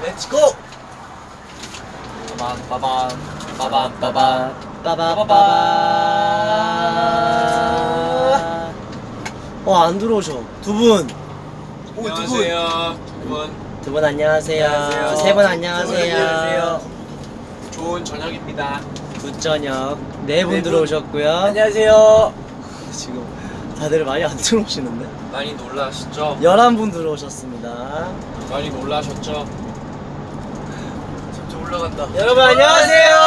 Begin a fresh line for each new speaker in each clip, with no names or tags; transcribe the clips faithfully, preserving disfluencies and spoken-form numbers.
렛츠고!
빠밤 빠밤 빠밤 빠밤
빠바바바. 어, 안 들어오셔. 두 분. 오, 두 분.
안녕하세요 두분
두 분 안녕하세요.
안녕하세요.
세 분 안녕하세요.
안녕하세요. 좋은 저녁입니다.
굿저녁. 네 분
네 분.
들어오셨고요.
안녕하세요.
지금 다들 많이 안 들어오시는데?
많이 놀라셨죠?
열한 분 들어오셨습니다.
많이 놀라셨죠? 점점 올라간다.
여러분 안녕하세요.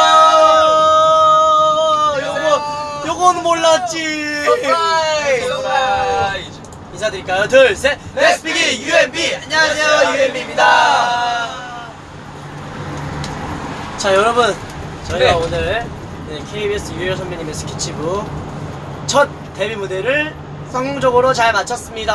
요거 요건 몰랐지.
서프라이즈! 서프라이즈!
인사드릴까요? 둘, 셋. Let's begin 유엠비. 안녕하세요, 유엠비입니다. 자, 여러분, 저희가
네.
오늘 네, 케이비에스 유열 선배님의 스케치북 첫 데뷔 무대를 성공적으로 잘 마쳤습니다.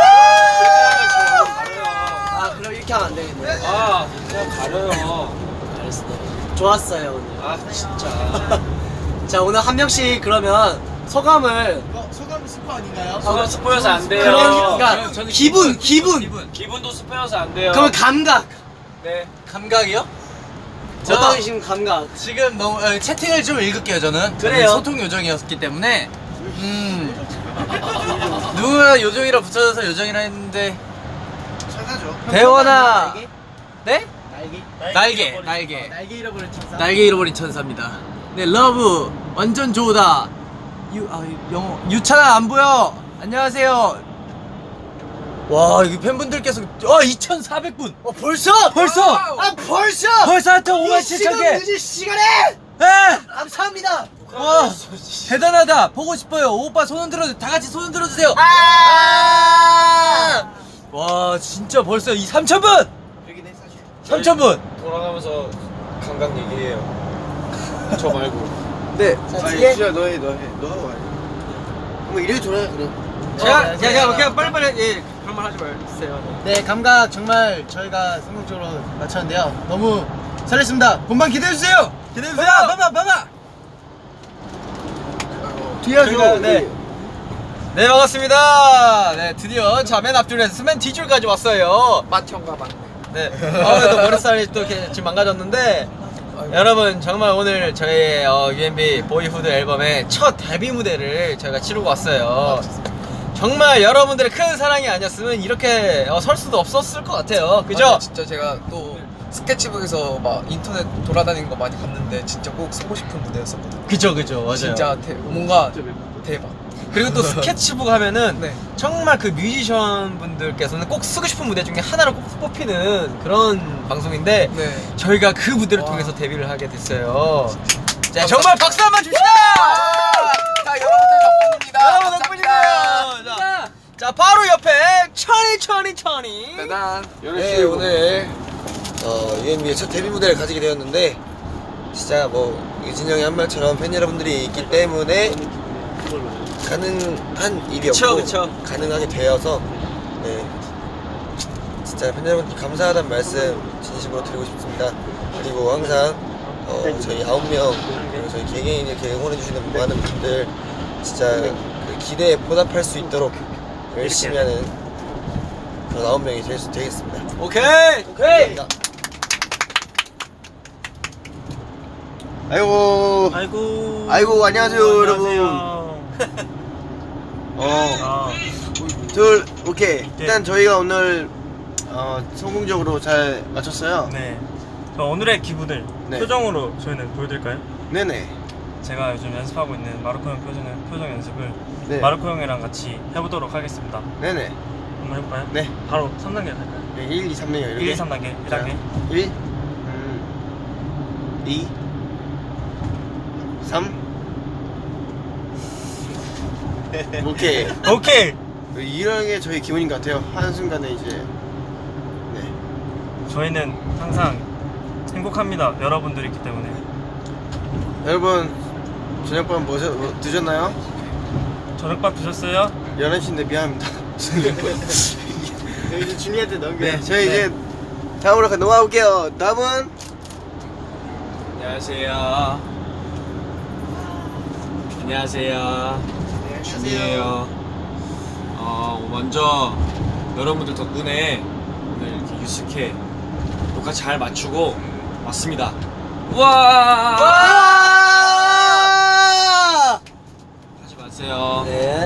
아, 그럼 이렇게 하면 안 되겠네.
아 그냥 가려요.
알겠습니다. 좋았어요 오늘.
아 진짜.
자, 오늘 한 명씩 그러면 소감을.
어, 소감 스포 아닌가요?
소감 스포여서 안 돼요.
그런, 그러니까
저는
기분, 기분.
기분 기분도 스포여서 안 돼요.
그러면 감각.
네.
감각이요?
어떤 신 감각.
지금 너무 어, 채팅을 좀 읽을게요. 저는
그래요.
저는 소통 요정이었기 때문에 음 누가 요정이라 붙여져서 요정이라 했는데
천사죠.
대원아. 네?
날개.
날개 날개
날개 잃어버린 천사.
날개 잃어버린 천사입니다. 네, 러브 완전 좋다. 유, 아, 영어 유찬아 안 보여. 안녕하세요. 와, 여기 팬분들께서 어 이천사백 분.
어, 벌써?
벌써
아, 벌써?
벌써 하여튼 오만
이
칠천
시간
개.
늦은 시간에
네.
감사합니다.
와, 대단하다. 보고 싶어요. 오빠 손 흔들어. 다 같이 손 흔들어 주세요.
아!
와, 진짜 벌써 이 삼천 분.
여기네 사실.
삼천 분.
돌아가면서 감각 얘기해요. 저 말고.
네.
자, 뒤에
진짜 너해 너해 너 하고 와야 뭐 이래 돌아야 그래.
제가
어,
제가
네.
그냥 빨리빨리 예 그런 말 하지 말세요.
네, 감각 정말 저희가 성공적으로 마쳤는데요. 너무 설렜습니다. 본방 기대해 주세요.
기대해 주세요. 봐봐, 봐봐.
뒤에서
네. 네, 반갑습니다. 네, 드디어 자 맨 앞줄에서 스맨 D줄까지 왔어요.
맏형과 막.
네. 아무래도 머리살이 또 이렇게 지금 망가졌는데 여러분 정말 오늘 저희 어, 유엠비 보이후드 앨범의 첫 데뷔 무대를 저희가 치르고 왔어요. 정말 여러분들의 큰 사랑이 아니었으면 이렇게 어, 설 수도 없었을 것 같아요. 그죠?
맞아요. 진짜 제가 또 스케치북에서 막 인터넷 돌아다니는 거 많이 봤는데 진짜 꼭 쓰고 싶은 무대였었거든요.
그죠, 그죠, 맞아요.
진짜 대, 뭔가 대박.
그리고 또 스케치북 하면은
네.
정말 그 뮤지션 분들께서는 꼭 쓰고 싶은 무대 중에 하나를 꼭 뽑히는 그런 방송인데
네.
저희가 그 무대를
와.
통해서 데뷔를 하게 됐어요. 자, 정말 박수 한번 줍시다!
자, 여러분들 덕분입니다.
여러분 덕분이에요. 자, 자, 바로 옆에 천이 천이 천이.
대단.
네, 오늘 어, 유엠비의 첫 데뷔 무대를 가지게 되었는데 진짜 뭐 유진 형이 한 말처럼 팬 여러분들이 있기 때문에 가능한 일이었고
그쵸, 그쵸.
가능하게 되어서 네 진짜 팬 여러분들 감사하다는 말씀 진심으로 드리고 싶습니다. 그리고 항상 어, 저희 아홉 명 그리고 저희 개개인 이렇게 응원해주시는 많은 분들 진짜 그 기대에 보답할 수 있도록 열심히 하는 그런 아홉 명이 될 수 되겠습니다.
오케이.
오케이.
감사합니다. 아이고
아이고.
아이고, 안녕하세요, 여러분. 어, 둘, 오케이. 일단 저희가 오늘 어, 성공적으로 잘 마쳤어요.
네. 저 오늘의 기분을
네.
표정으로 저희는 보여드릴까요?
네네.
제가 요즘 연습하고 있는 마르코 형 표정, 표정 연습을
네.
마르코 형이랑 같이 해보도록 하겠습니다.
네네.
한번 해볼까요?
네.
바로 삼 단계 갈까요?
네, 일, 이, 삼, 네, 이렇게.
일, 이, 삼 단계. 일 단계.
일, 음, 이, 삼. 오케이.
오케이!
이런 게 저희 기분인 것 같아요. 한순간에 이제. 네.
저희는 항상 행복합니다. 여러분들이 있기 때문에.
여러분, 저녁밥 뭐, 뭐 드셨나요?
저녁밥 드셨어요?
열한 시인데 미안합니다.
네, 이제 줄리엣한테 넘겨.
네, 저희 이제 다음으로 넘어가 볼게요. 다음은
안녕하세요. 안녕하세요. 준이에요. 어, 먼저 여러분들 덕분에 오늘 이렇게 유스케 녹화 잘 마치고 왔습니다. 우와!
와!
하지 마세요.
네.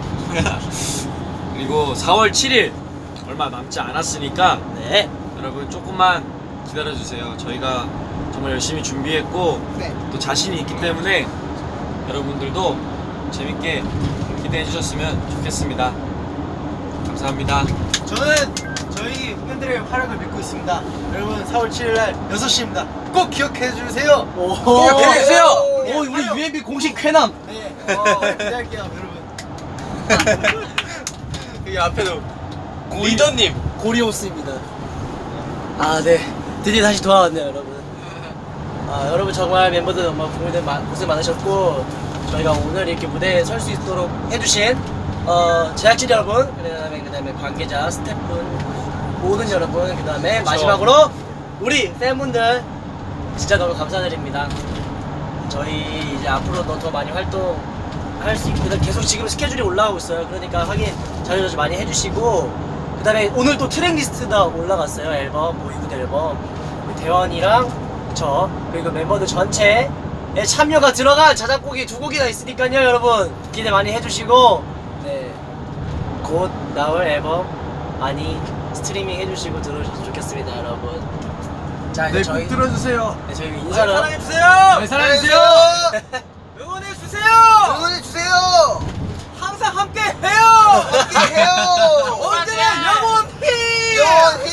그리고 사월 칠일 얼마 남지 않았으니까
네.
여러분 조금만 기다려주세요. 저희가 정말 열심히 준비했고 또 자신이 있기 때문에 여러분들도 재밌게 기대해 주셨으면 좋겠습니다. 감사합니다.
저는 저희 팬들의 활약을 믿고 있습니다. 여러분 사월 칠일날 여섯 시입니다. 꼭 기억해 주세요. 오,
기억해 주세요.
오, 우리 유엔비 공식 쾌남. 네. 어, 기대할게요, 여러분.
여기 앞에도 리더님.
고리오스입니다. 아, 네. 드디어 다시 돌아왔네요, 여러분. 아, 여러분 정말 멤버들 너무 고생, 많- 고생 많으셨고 저희가 오늘 이렇게 무대에 설 수 있도록 해주신 어, 제작진 여러분, 그다음에 그다음에 관계자, 스태프분, 모든 여러분, 그다음에 마지막으로 우리 팬분들 진짜 너무 감사드립니다. 저희 이제 앞으로도 더 많이 활동할 수 있고 계속 지금 스케줄이 올라가고 있어요. 그러니까 확인 자주자주 많이 해주시고 그다음에 오늘 또 트랙 리스트가 올라갔어요. 앨범 보이굿 앨범 대원이랑 저 그리고 멤버들 전체에 참여가 들어간 자작곡이 두 곡이나 있으니까요. 여러분 기대 많이 해주시고 네, 곧 나올 앨범 많이 스트리밍 해주시고 들어주셨으면 좋겠습니다, 여러분. 자 이제 저희
들어주세요.
네, 저희 인사를
사랑해주세요.
네,
사랑해주세요.
응원해주세요.
응원해주세요.
항상 함께 해요.
함께해요.
언제나 영원히.
영원히.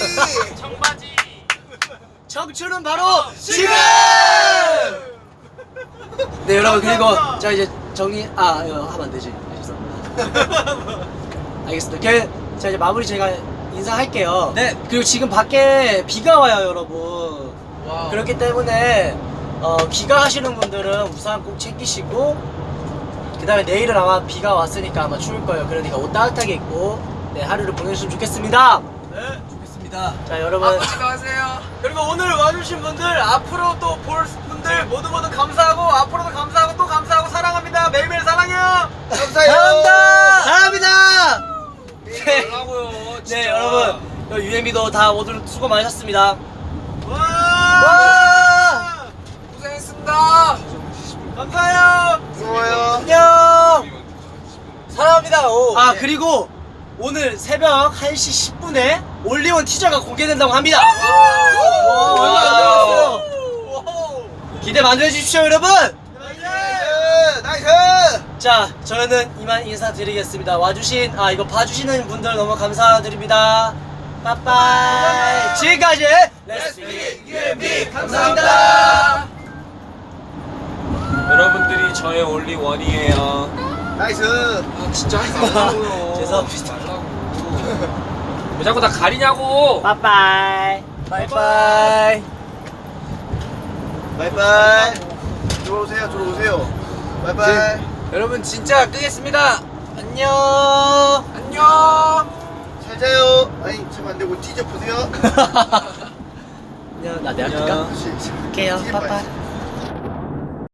청춘은 바로 지금. 네 여러분 그리고 자 이제 정리 아 이거 하면 안 되지. 죄송합니다. 알겠습니다. 그, 자 이제 마무리 제가 인사할게요.
네.
그리고 지금 밖에 비가 와요, 여러분.
와.
그렇기 때문에 어, 귀가하시는 분들은 우산 꼭 챙기시고 그 다음에 내일은 아마 비가 왔으니까 아마 추울 거예요. 그러니까 옷 따뜻하게 입고 네 하루를 보내주시면 좋겠습니다.
네, 좋겠습니다.
자 여러분
아버지 가세요.
그리고 오늘 와주신 분들 앞으로 또 볼 분들 모두 모두 감사하고 앞으로도 감사하고 또 감사하고 사랑합니다. 매일매일 사랑해요.
감사해요.
사랑합니다. 사랑합니다. 네,
뭐라고요?
네 여러분 유엠비도 다 모두 수고 많으셨습니다.
와!
와!
고생했습니다.
감사해요.
고마워요.
안녕.
사랑합니다. 오.
아 그리고 오늘 새벽 한 시 십 분에 올리원 티저가 공개된다고 합니다. 와, 얼마 안 남았어요. 기대 많이 해주십시오, 여러분.
나이스. 나이스.
자, 저는 이만 인사드리겠습니다. 와주신 아 이거 봐주시는 분들 너무 감사드립니다. 빠빠이. 지금까지 레츠비 유엠비 감사합니다.
여러분들이 저의 올리 원이에요.
나이스.
아 진짜 하지 말라고요.
죄송합니다.
왜 자꾸 나 가리냐고.
빠빠이. 바이바이.
바이바이. 들어오세요. 들어오세요. 바이바이.
여러분 진짜 끄겠습니다. 안녕.
안녕.
잘 자요. 아니 잠깐 안되고 뒤져 보세요.
안녕. 나 내가
안녕.
끌까?
다시.
할게요.
뒤에
빠빠이.
봐야지.